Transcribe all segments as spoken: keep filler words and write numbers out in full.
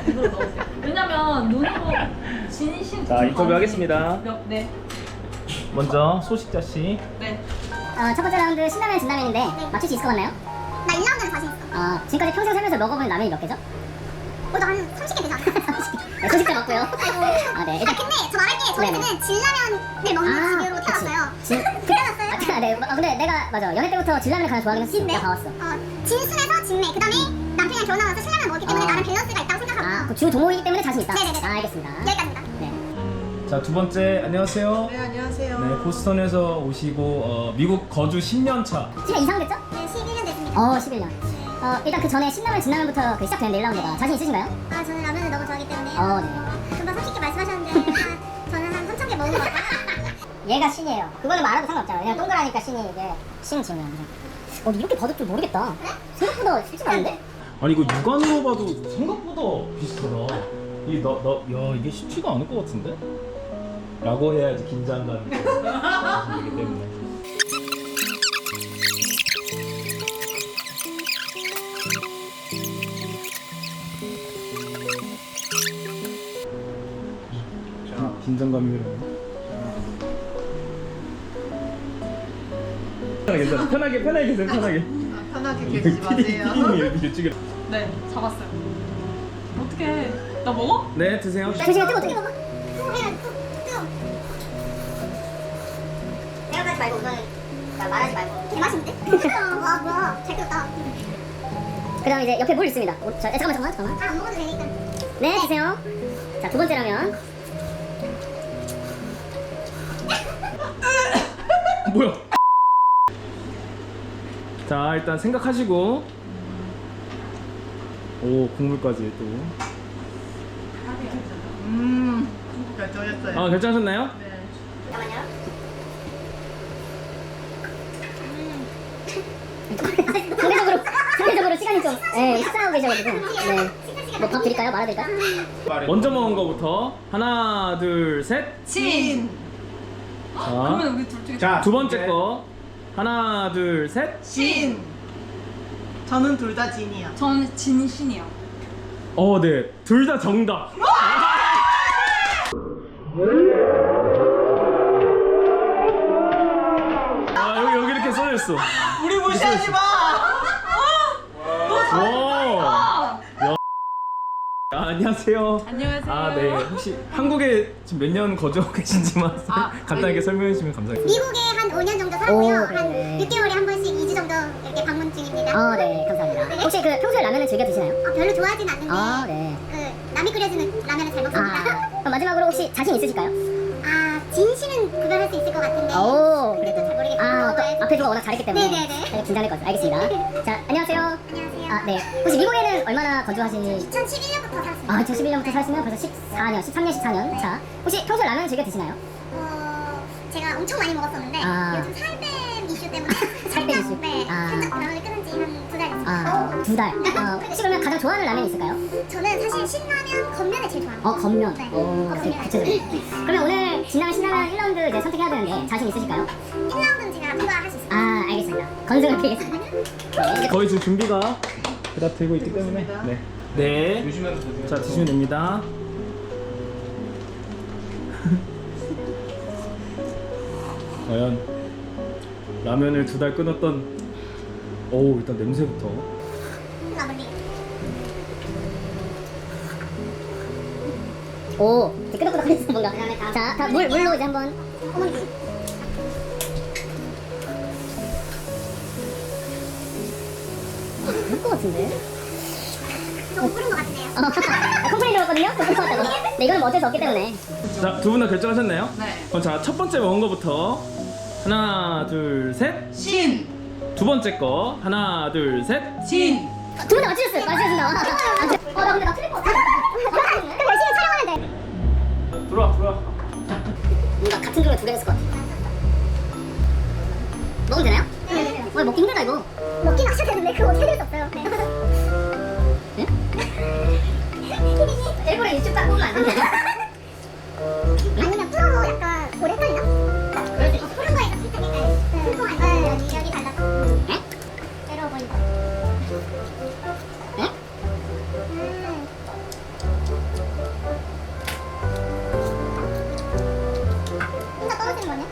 이걸로 넣으세요. 왜냐면 눈으로 진심. 자, 인터뷰 하겠습니다. 몇, 네. 먼저 소식자 씨. 네. 어, 첫 번째 라운드 신라면 진라면인데 네. 맞출 수 있을 것 같나요? 나 일 라운드는 자신 있어. 어, 지금까지 평생 살면서 먹어본 라면이 몇 개죠? 어, 나한 삼십 개 되지 않아? 네, 소식자 맞고요. 아이고. 아, 네. 아, 일단 근데 저 말할게. 저희는 네네. 진라면을 먹는 집으로 태어났어요. 진, 태어났어요? 아, 네. 어, 근데 내가 맞아. 연애 때부터 진라면을 가장 좋아하긴 했어. 진네? 내가 봐왔어. 어, 진순에서 진매. 그 다음에 남편이랑 결혼하면서 신라면 먹기 때문에 어. 나름 밸런스가 있다고 생각하고. 아, 그 주 동호이기 때문에 자신 있다. 네네네. 아, 알겠습니다. 여기까지입니다. 네. 자, 두 번째 안녕하세요. 네, 안녕하세요. 네, 보스턴에서 오시고 어, 미국 거주 십 년 차. 십 년 이상 됐죠? 네, 십일 년 됐습니다. 어, 십일 년. 어, 일단 그 전에 신라면 진라면부터 그 시작되는 일 라운드가 자신 있으신가요? 아, 저는 라면을 너무 좋아하기 때문에. 어, 네. 금방 삼십 개 말씀하셨는데, 한, 저는 한 삼천 개 먹은 것 같아요. 얘가 신이에요. 그거는 말아도 상관없잖아. 그냥 동그라니까 신이 이게 신 지면. 어, 근데 이렇게 봐도 좀 모르겠다. 생각보다 쉽지가 않은데? 아니 이거 육안으로 봐도 생각보다 비슷하다. 이너너 야 이게 쉽지가 않을 것 같은데? 라고 해야지 긴장감이 되기 때문에. 자, 긴장감이 흐르네. 괜찮아. 편하게 편하게 계세요. 편하게. 아, 편하게 계시지 마세요. 피디님이 이렇게 찍어. 네, 잡았어요. 어떻게? 나 먹어? 네, 드세요. 조심해, 뜨거, 뜨거. 생각하지 말고 우선 말하지 말고. 개맛있는데? 와, 뭐야. 잘 끓였다. 그 다음 이제 옆에 물 있습니다. 오, 자, 잠깐만, 잠깐만, 잠깐만. 아, 안 먹어도 되니까. 네, 주세요. 자, 두 번째 라면. 뭐야? 자, 일단 생각하시고. 오, 국물까지 또. 음, 결정했어요. 아, 결정하셨나요? 네. 잠깐만요. 상대적으로, 상대적으로 시간이 좀, 예, 식사하고 계셔가지고. 네. 뭐 밥 드릴까요? 말아드릴까요? 먼저 먹은 거부터 하나, 둘, 셋. 진. 자, 그러면 우리 둘 중에 자, 두 번째 거 하나, 둘, 셋. 진. 저는 둘 다 진이요. 저는 진신이요. 어, 네, 둘 다 정답. 아, 여기 여기 이렇게 써져 있어. 우리 무시하지 마. 와. 야. 아, 안녕하세요. 안녕하세요. 아, 네. 혹시 한국에 지금 몇 년 거주하고 계신지만 아, 간단하게 아니. 설명해 주시면 감사하겠습니다. 미국에 한 오 년 정도 살았고요. 오, 그래. 한 육 개월에 한 번씩 이 주 정도 이렇게 방문 중입니다. 어, 네, 감사합니다. 혹시 그 평소에 라면을 즐겨 드시나요? 아, 별로 좋아하진 않는데 아, 네. 그 남이 끓여주는 라면을 잘 먹습니다. 아, 그럼 마지막으로 혹시 자신 있으실까요? 아, 진실은 구별할 수 있을 것 같은데. 오, 근데 또잘 모르겠어요. 아, 또 네. 앞에 누가 워낙 잘했기 때문에 네네네. 살짝 긴장될 것 같아요. 알겠습니다. 자, 안녕하세요. 안녕하세요. 아, 네. 혹시 미국에는 얼마나 거주하신? 이천십일 년부터 살았습니다. 아, 이천십일 년부터 사시면 벌써 십사 년, 십삼 년, 십사 년. 자, 혹시 평소에 라면 즐겨 드시나요? 어, 제가 엄청 많이 먹었었는데 아. 요즘 살빼 이슈 때문에 살빼 살짝, 이슈? 네, 아. 살짝 라면을 끊은 지 한 두 달 됐습니다. 아, 두 달. 어, 혹시 그러면 가장 좋아하는 라면이 있을까요? 저는 사실 신라면 겉면을 제일 좋아합니다. 어, 겉면. 네. 오, 겉면. 되게 구체적이네. 그러면 오늘 진라면 신라면 일 라운드 이제 선택해야 되는데 자신 있으실까요? 일 라운드는 제가 통과할 수 있습니다. 아, 알겠습니다. 건승을 빌겠습니다. 네. 거의 지금 준비가 다 되고 있기 때문에. 네. 네. 자, 드시면 됩니다. 과연 라면을 두 달 끊었던. 오, 일단 냄새부터. 라블리. 오, 이제 끄덕끄덕거리는 뭔가. 자, 다 물, 물로 이제 한번. 어머니. 할 것 같은데? 조금 끓은 것 같은데요. 어, 아, 컴플레인 들었거든요? 좀 것 같다고. 네, 이거는 뭐 어쩔 수 없기 때문에. 자, 두 분 다 결정하셨나요? 네. 그럼 자, 첫 번째 먹은 거부터 하나, 둘, 셋. 신. 두 번째 거 하나, 둘, 셋. 진. 두 분 다 맞추셨어요. 맞추셨습니다. 어, 나 근데 나 틀릴 것 같아. 그럼 열심히 촬영하는데. 들어와, 들어와. 뭔가 같은 종류 두개 됐을 것 같아. 먹으면 되나요? 네네네. 어, 먹기 힘들다, 이거. 먹긴 하셔야 되는데 그거 어떻게 될 수 없어요. 네. 네? 일부러 유튜브 딱 보면 안 된다. 아니면 풀어서 약간 오래 끓이나? 그럴 수 있어. 푸른 거에서 살짝 약간 풍성한 여기 여기 달라서. 에? 외로워 보인다. 에? 음.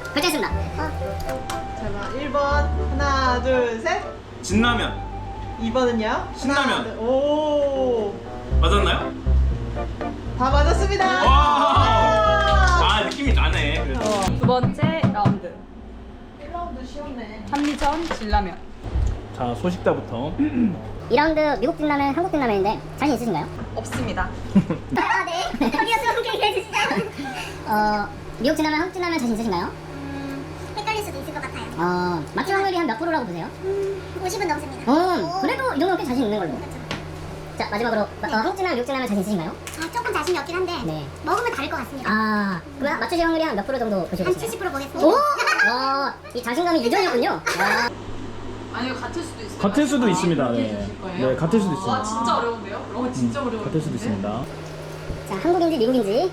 결정했습니다. 자, 일 번 하나 둘 셋. 진라면 이 번은요? 신라면. 하나, 둘, 오. 맞았나요? 다 맞았습니다. 와! 아 느낌이 나네. 그래도. 두 번째 라운드. 일 라운드 쉬웠네. 한미전 진라면. 자 소식자부터. 이 라운드 미국 진라면, 한국 진라면인데 자신 있으신가요? 없습니다. 아 네. 저기요 좀 함께 해주시죠. 어 미국 진라면, 한국 진라면 자신 있으신가요? 음, 헷갈릴 수도 있을 것 같아요. 어 맞출 확률이 한 몇 프로라고 보세요? 음, 오십은 넘습니다. 어 그래도 이 정도면 꽤 자신 있는 걸로. 자 마지막으로 어, 한국 진라면, 미국 진라면 자신 있으신가요? 아, 조금 자신이 없긴 한데 네. 먹으면 다를 것 같습니다. 아 그럼 맞추실 확률이 한 몇 프로 정도 보시고 한 계시나요? 칠십 퍼센트 보겠습니다. 오! 와, 이 자신감이 유전이었군요. 와. 아니요 같을 수도 있어요. 같을 수도 아, 있습니다. 이렇게 네. 해주실 거예요? 네, 같을 수도 있습니다. 아 진짜 어려운데요? 어 진짜 음, 어려워요. 같을 수도 있습니다. 자, 한국인지 미국인지.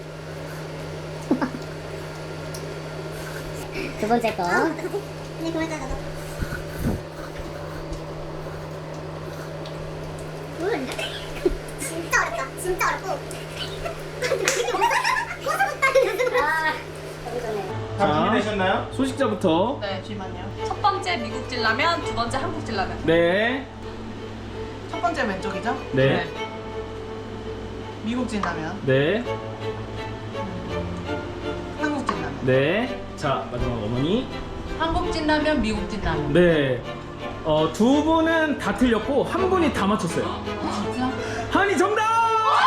두 번째 거. 네, 그만하자 나도. 모르는데? 진짜 어렵다. 진짜 어렵고. 고소 못하는 연습으로. 아, 너무 좋네. 자, 준비되셨나요? 소식자부터. 네. 잠시만요. 첫 번째 미국 진라면, 두 번째 한국 진라면. 네. 첫 번째 왼쪽이죠? 네. 미국 진라면, 네. 한국 진라면. 네. 자 마지막 어머니. 한국 진라면, 미국 진라면. 네. 어, 두 분은 다 틀렸고 한 분이 다 맞췄어요. 진짜? 한이 정답!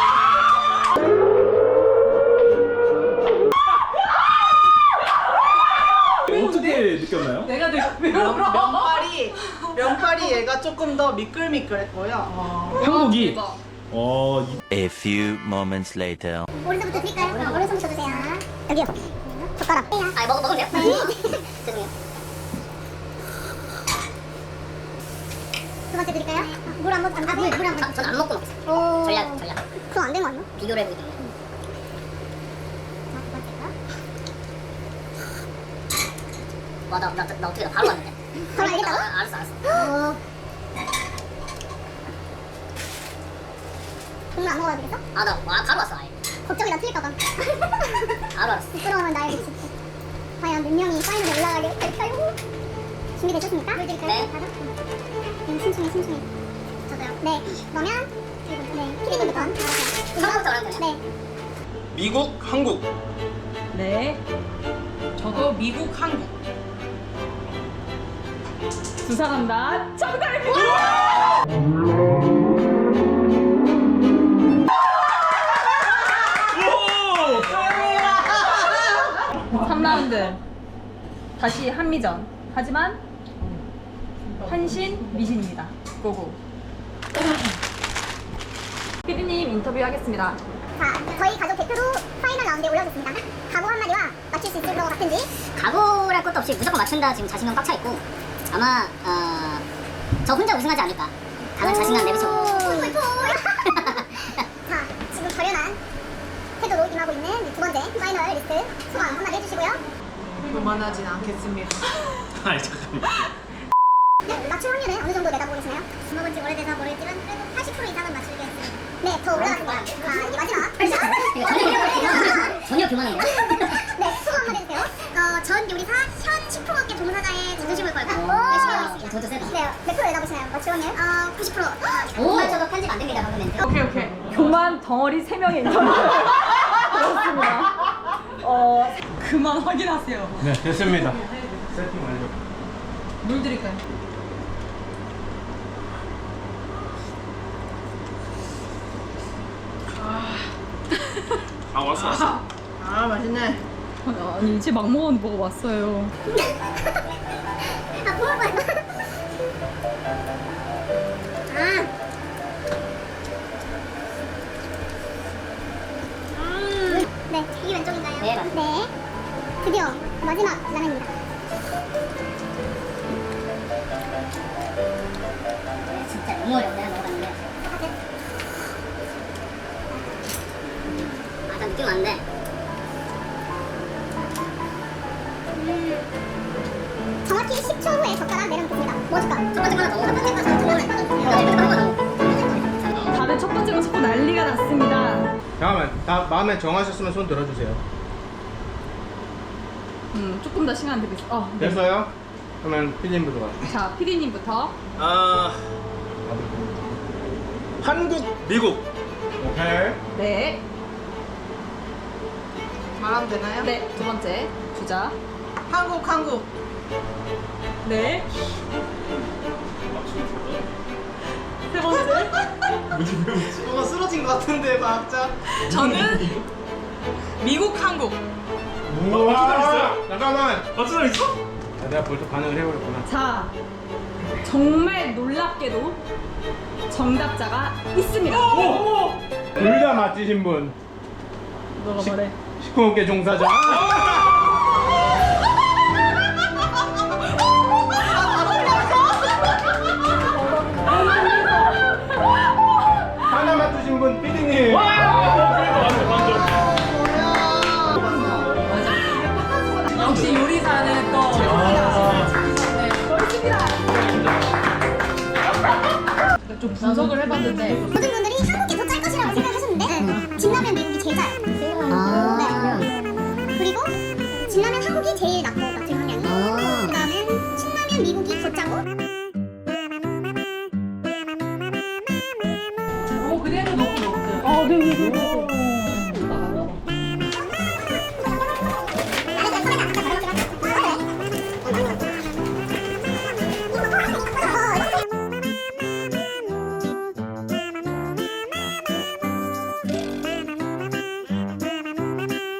어떻게 느꼈나요? 내가 되게 왜 면, 울어? 면발이 면발이 얘가 조금 더 미끌미끌했고요. 어. 한국이 대박. 어, 이- A few moments later. 오른손부터 드릴까요? 어, 오른손부터 주세요. 여기요. 젓가락. 아, 먹, 먹으면 돼요? 네. 죄송해요. 두 번째 드릴까요? 물 안 먹, 안, 아, 물, 물안 먹. 아, 저는 안 먹고 먹었어요. 오. 전략, 전략. 그거 안 된 거 아니야? 비교를 해보기 때문에. 자, 두 번째가. 와, 나, 나, 나 어떻게 나 바로 왔는데. 바로 알겠다고? 아, 알았어, 알았어. 어. 국물 안 먹어야 되겠어? 아, 나 아, 바로 왔어, 아예. 걱정이 나 틀릴까봐. 바로 알았어. 부끄러움은 나의 빛이. 과연 몇 명이 파이널에 올라가게 될까요? 준비되셨습니까? 물 드릴까요? 네. 바로? 음, 심심해, 심심해. 저도요. 네. 그러면, 네. 피디님부터 알아서요. 처음부터 어려운 거냐? 네. 미국, 한국. 네. 저도 미국, 한국. 두 사람 다 정답입니다. 오! 삼 라운드. 다시 한미전. 하지만 한신, 미신입니다. 고고. 피디님 인터뷰 하겠습니다. 자, 저희 가족 대표로 파이널 라운드에 올라오셨습니다. 각오 한마디와 맞출 수 있을 것 같은지. 각오랄 것도 없이 무조건 맞춘다 지금 자신감 꽉 차 있고 아마 어, 저 혼자 우승하지 않을까. 다들 자신감 내비쳐. 폴폴폴. 자, 지금 결연한 태도로 임하고 있는 두 번째 파이널 리스트 소감 한마디 해주시고요. 그만하진 않겠습니다. 아니 잠깐만. 네, 맞출 확률은 어느 정도 내다보고 계시나요? 먹은 지 오래돼서 모르겠지만 그래도 팔십 퍼센트 이상은 맞추겠습니다. 네, 더 올라갔습니다. 자, 이제 마지막. 전혀, 전혀 교만한데. 네, 소감 한마디 해주세요. 어, 전 요리사 현 식품업계 종사자의 자존심을 걸고 오, 열심히 하고 있습니다. 저도 세다. 네, 몇 프로 내다보시나요? 맞출 확률? 어, 구십 퍼센트. 오, 저도 편집 안 됩니다 방금 멘트. 오케이 오케이. 교만 덩어리 세 명의 인터뷰. 그렇습니다. 어 그만 확인하세요. 네 됐습니다. 세팅 완료. 물 드릴까요? 아 왔어 왔어. 아, 맛있네. 아니 이제 막 먹었는데 먹어 왔어요. 아, 부을 뻔했다. 아. 음. 네, 이 왼쪽인가요? 네, 맞습니다. 네. 드디어 마지막 라면입니다. 진짜 너무 어렵네 먹어봤는데. 아, 딱 느낌 왔는데. 음. 정확히 십 초 후에 젓가락 내려놓겠습니다. 뭐 줄까? 첫 번째 거는 너무 첫 번째 거 너무 다들 첫 번째로 자꾸 난리가 났습니다. 잠깐만, 다 마음에 정하셨으면 손 들어주세요. 음, 조금 더 시간 드리겠습니다. 어, 네. 됐어요? 그러면 피디님부터 가요. 자, 피디님부터. 아 한국 미국. 오케이. 네. 말하면 되나요? 네, 두 번째 주자. 한국 한국. 네. 세 번째. 뭔가 쓰러진 것 같은데 과학자. 저는 미국, 한국. 우와. 잠깐만. 맞추다 있어? 아, 내가 벌써 반응을 해버렸구나. 자, 정말 놀랍게도 정답자가 있습니다. 둘 다 맞히신 분. 너가 말해. 식품업계 종사자. 하나 맞추신 분 피디님. 역시 요리사는 또 좀 분석을 해봤는데